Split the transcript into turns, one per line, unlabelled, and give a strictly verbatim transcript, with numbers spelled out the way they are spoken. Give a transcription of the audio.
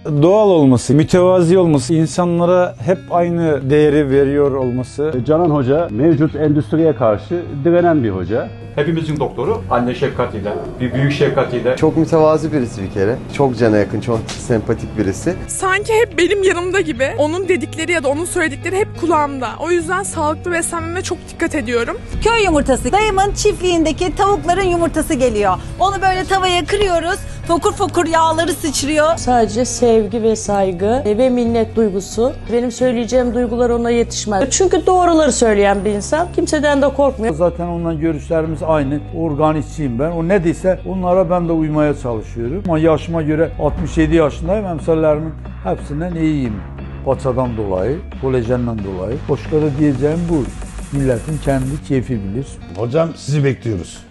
doğal olması, mütevazi olması, insanlara hep aynı değeri veriyor olması.
Canan Hoca mevcut endüstriye karşı direnen bir hoca.
Hepimizin doktoru anne şefkatiyle, bir büyük şefkatiyle.
Çok mütevazi birisi bir kere. Çok cana yakın, çok sempatik birisi.
Sanki hep benim yanımda gibi. Onun dedikleri ya da onun söyledikleri hep kulağımda. O yüzden sağlıklı beslenmeme çok dikkat ediyorum.
Köy yumurtası. Dayımın çiftliğindeki tavukların yumurtası geliyor. Onu böyle tavaya kırıyoruz. Fokur fokur yağları sıçrıyor.
Sadece sevgi ve saygı ve minnet duygusu. Benim söyleyeceğim duygular ona yetişmez. Çünkü doğruları söyleyen bir insan. Kimseden de korkmuyor.
Zaten ondan görüşlerimiz aynı. Organistçiyim ben. O ne dese onlara ben de uymaya çalışıyorum. Ama yaşıma göre altmış yedi yaşındayım. Emsallerimin hepsinden iyiyim. Paçadan dolayı, kolajenden dolayı. Başka da diyeceğim bu. Milletin kendi keyfi bilir.
Hocam sizi bekliyoruz.